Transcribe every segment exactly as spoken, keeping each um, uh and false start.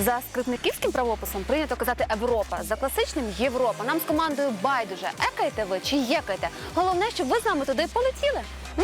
За скрипниківським правописом прийнято казати Европа, за класичним Європа. Нам з командою байдуже, екаєте ви чи єкаєте. Головне, щоб ви з нами туди полетіли. М?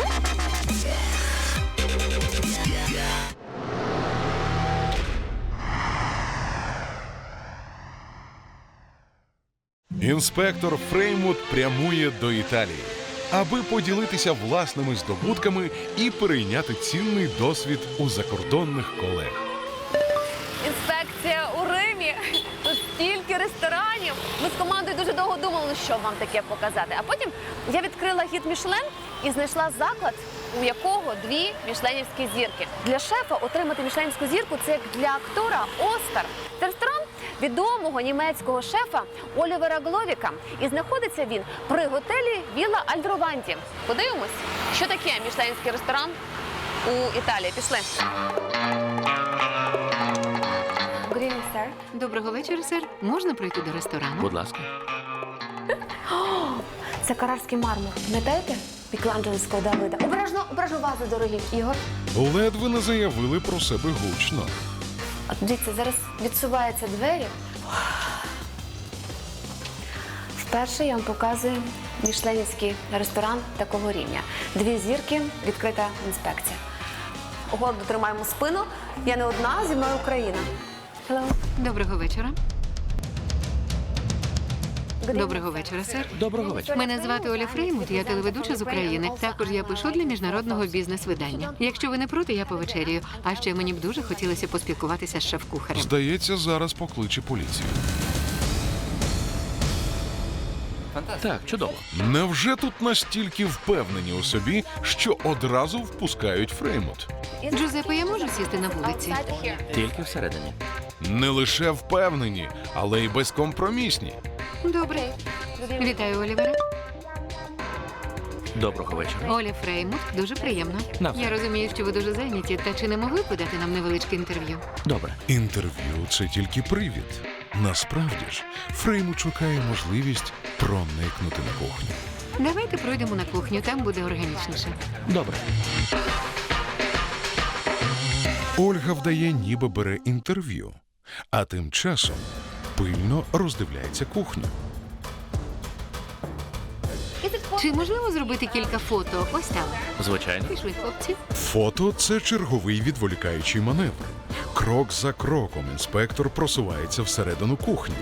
Інспектор Фреймут прямує до Італії, аби поділитися власними здобутками і перейняти цінний досвід у закордонних колег. Інспекція у Римі. Тут стільки ресторанів. Ми з командою дуже довго думали, ну що вам таке показати. А потім я відкрила гід Мішлен і знайшла заклад, у якого дві мішленівські зірки. Для шефа отримати мішленівську зірку – це як для актора Оскар. Це ресторан відомого німецького шефа Олівера Гловіка. І знаходиться він при готелі Вілла Альдрованті. Подивимось, що таке мішленівський ресторан у Італії. Пішли. Good evening, sir. Доброго вечора, сер. Можна пройти до ресторану? Будь ласка. Це карарський мармур. Пам'ятаєте? Мікеланджелівського Давида. Обережно, обережно вази, дорогі. Ігор. Ледве не заявили про себе гучно. От дивіться, зараз відсуваються двері. Вперше я вам показую мішленівський ресторан такого рівня. Дві зірки, відкрита інспекція. Гордо тримаємо спину. Я не одна, зі мною Україна. Hello. Доброго вечора. Доброго вечора, сер. Доброго вечора. Мене звати Оля Фреймут, я телеведуча з України. Також я пишу для міжнародного бізнес-видання. Якщо ви не проти, я повечерюю. А ще мені б дуже хотілося поспілкуватися з шеф-кухарем. Здається, зараз покличе поліцію. Так, чудово. Невже тут настільки впевнені у собі, що одразу впускають Фреймут? Джузеппе, я можу сісти на вулиці? Тільки всередині. Не лише впевнені, але й безкомпромісні. Добре. Вітаю, Олівере. Доброго вечора. Оля Фреймут, дуже приємно. Навзаєм. Я розумію, що ви дуже зайняті, та чи не могли б подати нам невеличке інтерв'ю? Добре. Інтерв'ю – це тільки привід. Насправді ж, Фреймут шукає можливість проникнути на кухню. Давайте пройдемо на кухню, там буде органічніше. Добре. Ольга вдає, ніби бере інтерв'ю, а тим часом пильно роздивляється кухню. Чи можливо зробити кілька фото? Ось там. Звичайно. Пішли, хлопці. Фото – це черговий відволікаючий маневр. Крок за кроком інспектор просувається всередину кухні.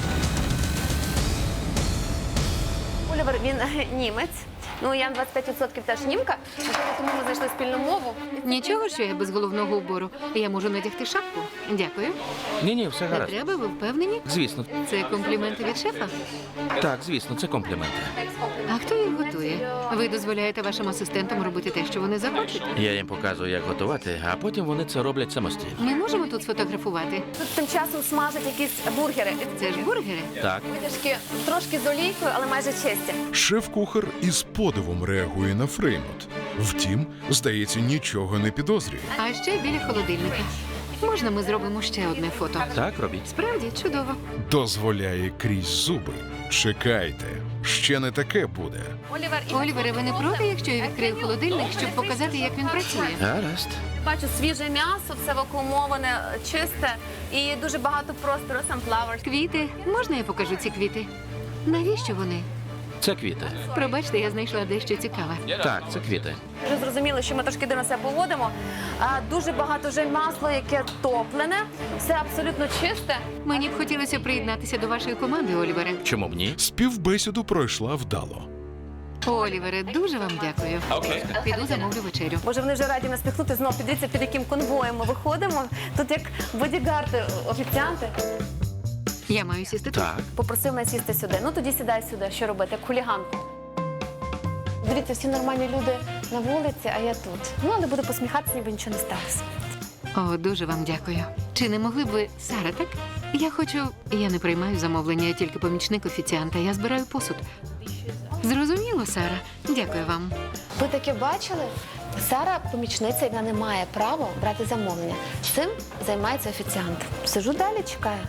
Олівер, він е, німець. Ну, я на двадцять п'ять відсотків теж німка. Можливо, тому ми знайшли спільну мову. Нічого, що я без головного убору. Я можу надягти шапку. Дякую. Ні-ні, все Не гаразд. треба, ви впевнені? Звісно. Це компліменти від шефа? Так, звісно, це компліменти. А хто їх готує? Ви дозволяєте вашим асистентам робити те, що вони захочуть? Я їм показую, як готувати, а потім вони це роблять самостійно. Ми можемо тут сфотографувати? Тут тим часом смажать якісь бургери. Це ж бургери. Так. Витяжки трошки з олійкою, але майже чисті. Шеф-кухар із подивом реагує на Фреймут. Втім, здається, нічого не підозрює. А ще біля холодильника. Можна ми зробимо ще одне фото? Так, робіть. Справді, чудово. Дозволяє крізь зуби. Чекайте, ще не таке буде. Олівер, і Олівере, ви не проти, якщо я відкрию холодильник, щоб показати, як він працює? Гаразд. бачу свіже м'ясо, все вакуумоване, чисте і дуже багато простору, sunflowers. Квіти. Можна я покажу ці квіти? Навіщо вони? Це квіти. Пробачте, я знайшла дещо цікаве. Так, це квіти. Вже зрозуміли, що ми трошки дивно себе поводимо. А, дуже багато вже масло, яке топлене, все абсолютно чисте. Мені б хотілося приєднатися до вашої команди, Олівере. Чому б ні? Співбесіду пройшла вдало. Олівере, дуже вам дякую. Окей. Піду замовлю вечерю. Боже, вони вже раді нас піхнути. Знов підивіться, під яким конвоєм ми виходимо. Тут як бодігарди, офіціанти. Я маю сісти тут. Так. Попросив мене сісти сюди. Ну тоді сідай сюди. Що робити? Як хуліганку. Дивіться, всі нормальні люди на вулиці, а я тут. Ну, але буду посміхатися, ніби нічого не сталося. О, дуже вам дякую. Чи не могли б ви, Сара, так? Я хочу... Я не приймаю замовлення, я тільки помічник офіціанта. Я збираю посуд. Зрозуміло, Сара. Дякую вам. Ви таке бачили? Сара помічниця, яка не має права брати замовлення. Цим займається офіціант. Сижу далі, чекаю.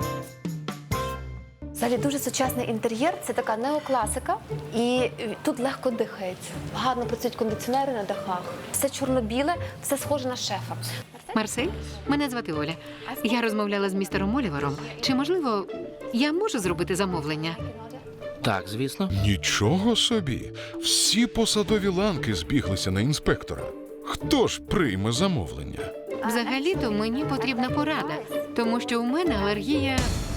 Взагалі дуже сучасний інтер'єр, це така неокласика, і тут легко дихається. Гарно працюють кондиціонери на дахах. Все чорно-біле, все схоже на шефа. Марсель? Мене звати Оля. Я розмовляла з містером Олівером. Чи, можливо, я можу зробити замовлення? Так, звісно. Нічого собі. Всі посадові ланки збіглися на інспектора. Хто ж прийме замовлення? Взагалі-то мені потрібна порада, тому що у мене алергія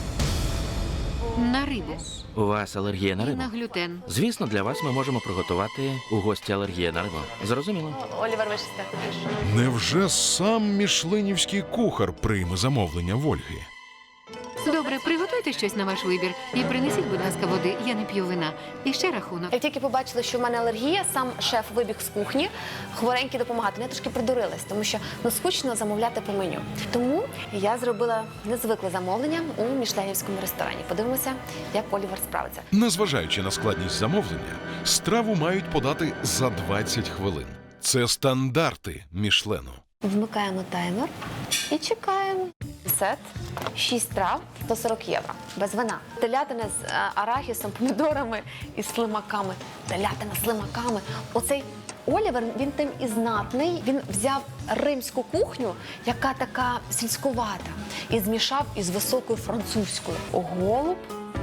на рибу У вас алергія на і рибу? на глютен. Звісно, для вас ми можемо приготувати у гості алергія на рибу. Зрозуміло. Олівер, вишисте. Невже сам мішленівський кухар прийме замовлення в Ольги? Добре, приготуйте щось на ваш вибір і принесіть, будь ласка, води. Я не п'ю вина. І ще рахунок. Як тільки побачили, що в мене алергія, сам шеф вибіг з кухні, хворенький допомагати. Я трошки придурилась, тому що ну скучно замовляти по меню. Тому я зробила незвикле замовлення у мішленівському ресторані. Подивимося, як Олівер справиться. Незважаючи на складність замовлення, страву мають подати за двадцять хвилин. Це стандарти Мішлену. Вмикаємо таймер і чекаємо. Сет, шість трав, сто сорок євро. Без вина. Телятина з е, арахісом, помідорами і слимаками. Телятина з слимаками. Оцей Олівер, він тим і знатний. Він взяв римську кухню, яка така сільськувата, і змішав із високою французькою. Голуб.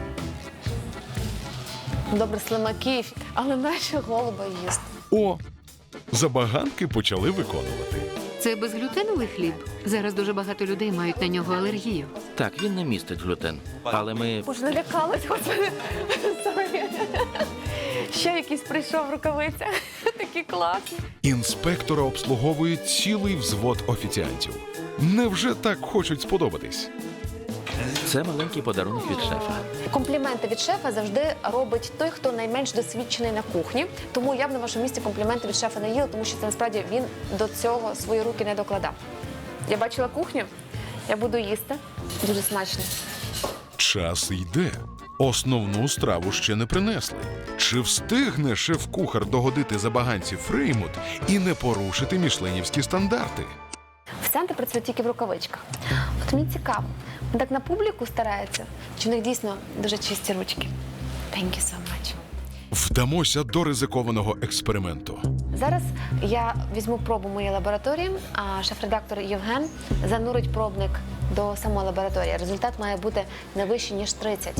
Добре, слимаків, але наші голуба їсти. О, забаганки почали виконувати. Це безглютеновий хліб. Зараз дуже багато людей мають на нього алергію. Так, він не містить глютен. Але ми. Боже, налякалась, господи. Сорі. Ще якийсь прийшов в рукавицях. Такі класні. Інспектора обслуговує цілий взвод офіціантів. Невже так хочуть сподобатись? Це маленький подарунок від шефа. Компліменти від шефа завжди робить той, хто найменш досвідчений на кухні. Тому я б на вашому місці компліменти від шефа не їла, тому що це насправді він до цього свої руки не докладав. Я бачила кухню, я буду їсти. Дуже смачно. Час йде. Основну страву ще не принесли. Чи встигне шеф-кухар догодити забаганці Фреймут і не порушити мішленівські стандарти? Офіціанти працюють тільки в рукавичках. От мені цікаво, вони так на публіку стараються, чи в них дійсно дуже чисті ручки? Thank you so much. Вдамося до ризикованого експерименту. Зараз я візьму пробу моєї лабораторії, а шеф-редактор Євген занурить пробник до самої лабораторії. Результат має бути не вищий, ніж тридцять.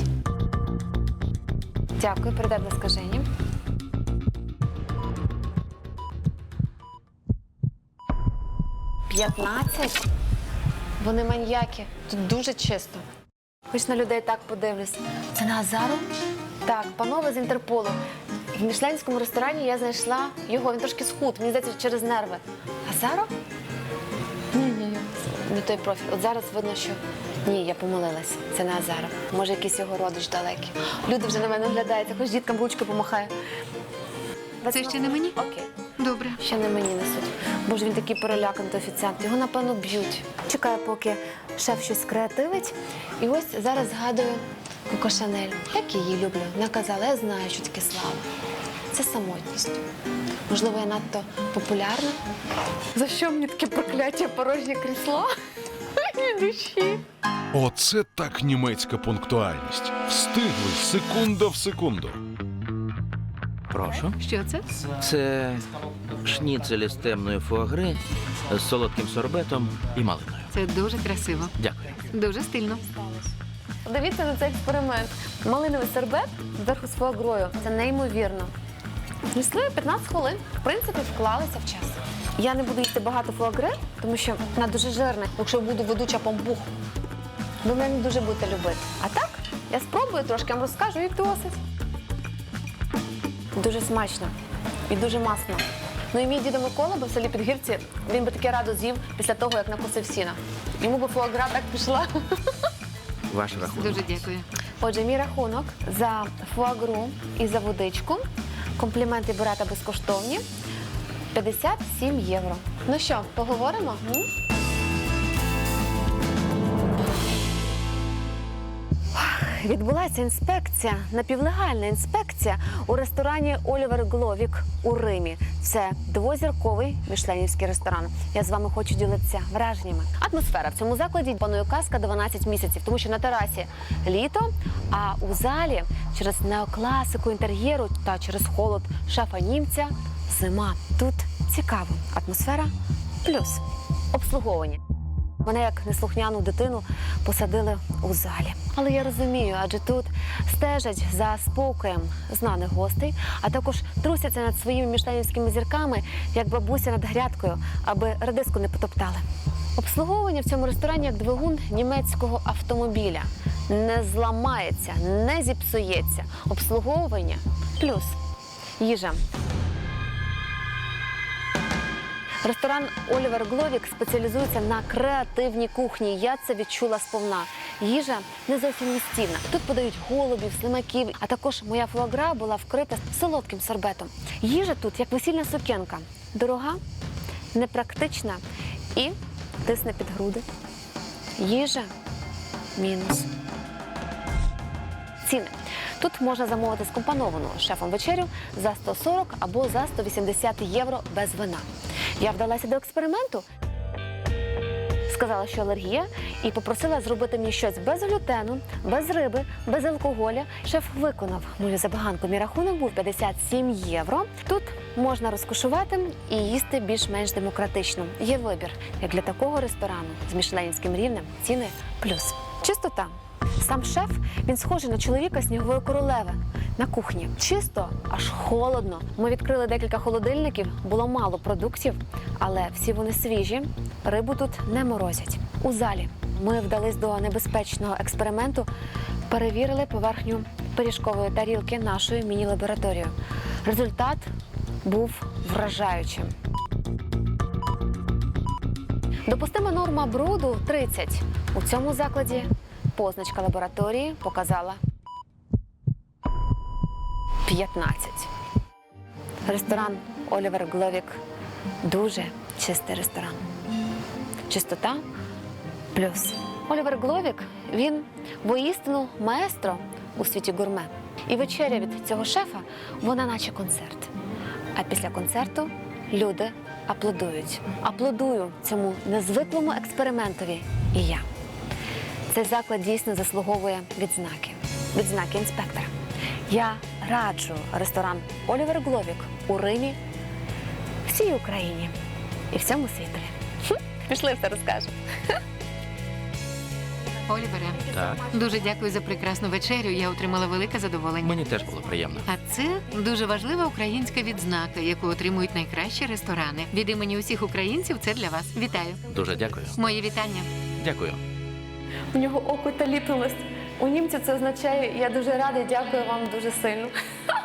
Дякую, передай, будь ласка, Жені. п'ятнадцять? Вони маньяки. Тут дуже чисто. Хоч на людей так подивлюсь. Це на Азару? Так, панове з Інтерполу. В мішленському ресторані я знайшла його. Він трошки схуд, мені здається, через нерви. Азаро? Ні-ні, не той профіль. От зараз видно, що ні, я помилилась. Це не Азаро. Може, якийсь його родич далекий. Люди вже на мене оглядаються, хоч діткам ручкою помахаю. Це ще не мені? Окей. Добре. Ще не мені несуть. Боже, він такий переляканий, той офіціант. Його, напевно, б'ють. Чекаю, поки шеф щось креативить. І ось зараз згадую Коко Шанель. Як її люблю. Наказала, я знаю, що таке слава. Це самотність. Можливо, я надто популярна. За що мені таке прокляття порожнє крісло? Ні душі. Оце так німецька пунктуальність. Встигли секунда в секунду. Прошу. Що це? Це шніцелі з темної фуагри з солодким сорбетом і малиною. Це дуже красиво. Дякую. Дуже стильно. Дивіться на цей експеримент. Малиновий сербет зверху з фуагрою. Це неймовірно. Несли п'ятнадцять хвилин. В принципі, вклалися в час. Я не буду їсти багато фуагри, тому що вона дуже жирна. Якщо буду ведуча помпух, ви мене не дуже будете любити. А так, я спробую трошки, я вам розкажу і досить. Дуже смачно і дуже масно. Ну і мій дідо Микола, бо в селі Підгірці, він би таке радо з'їв після того, як накусив сіна. Йому би фуагра так пішла. Ваш рахунок. Дуже дякую. Отже, мій рахунок за фуагру і за водичку. Компліменти берете безкоштовні. п'ятдесят сім євро. Ну що, поговоримо? М? Відбулася інспекція, напівлегальна інспекція у ресторані Олівер Гловік у Римі. Це двозірковий мішленівський ресторан. Я з вами хочу ділитися враженнями. Атмосфера в цьому закладі панує казка дванадцять місяців, тому що на терасі літо, а у залі через неокласику інтер'єру та через холод шефа німця зима. Тут цікаво. Атмосфера плюс. Обслуговування. Мене, як неслухняну дитину, посадили у залі. Але я розумію, адже тут стежать за спокоєм знаних гостей, а також трусяться над своїми мішленівськими зірками, як бабуся над грядкою, аби редиску не потоптали. Обслуговування в цьому ресторані як двигун німецького автомобіля. Не зламається, не зіпсується. Обслуговування плюс їжа. Ресторан Олівер Гловік спеціалізується на креативній кухні. Я це відчула сповна. Їжа не зовсім містівна. Тут подають голубів, слимаків, а також моя фуагра була вкрита солодким сорбетом. Їжа тут як весільна сукенка. Дорога, непрактична і тисне під груди. Їжа мінус. Ціни. Тут можна замовити скомпоновану шефом вечерю за сто сорок або за сто вісімдесят євро без вина. Я вдалася до експерименту, сказала, що алергія, і попросила зробити мені щось без глютену, без риби, без алкоголя. Шеф виконав мою забаганку. Мій рахунок був п'ятдесят сім євро. Тут можна розкошувати і їсти більш-менш демократично. Є вибір, як для такого ресторану з мішленівським рівнем, ціни плюс. Чистота. Сам шеф, він схожий на чоловіка снігової королеви на кухні. Чисто, аж холодно. Ми відкрили декілька холодильників, було мало продуктів, але всі вони свіжі, рибу тут не морозять. У залі ми вдались до небезпечного експерименту, перевірили поверхню пиріжкової тарілки нашою міні-лабораторією. Результат був вражаючим. Допустима норма бруду тридцять. У цьому закладі позначка лабораторії показала п'ятнадцять. Ресторан Олівер Гловік – дуже чистий ресторан. Чистота плюс. Олівер Гловік – він воістину маестро у світі гурме. І вечеря від цього шефа – вона наче концерт. А після концерту люди аплодують. Аплодую цьому незвиклому експериментові і я. Цей заклад дійсно заслуговує відзнаки. Відзнаки інспектора. Я раджу ресторан Олівер Гловік у Римі, всій Україні і всьому світові. Хм, пішли, все розкажемо. Олівере, Так, дуже дякую за прекрасну вечерю. Я отримала велике задоволення. мені теж було приємно. А це дуже важлива українська відзнака, яку отримують найкращі ресторани. Від імені усіх українців це для вас. Вітаю. Дуже дякую. Мої вітання. Дякую. У нього око таліпнулось. У німців це означає «я дуже радий, дякую вам дуже сильно».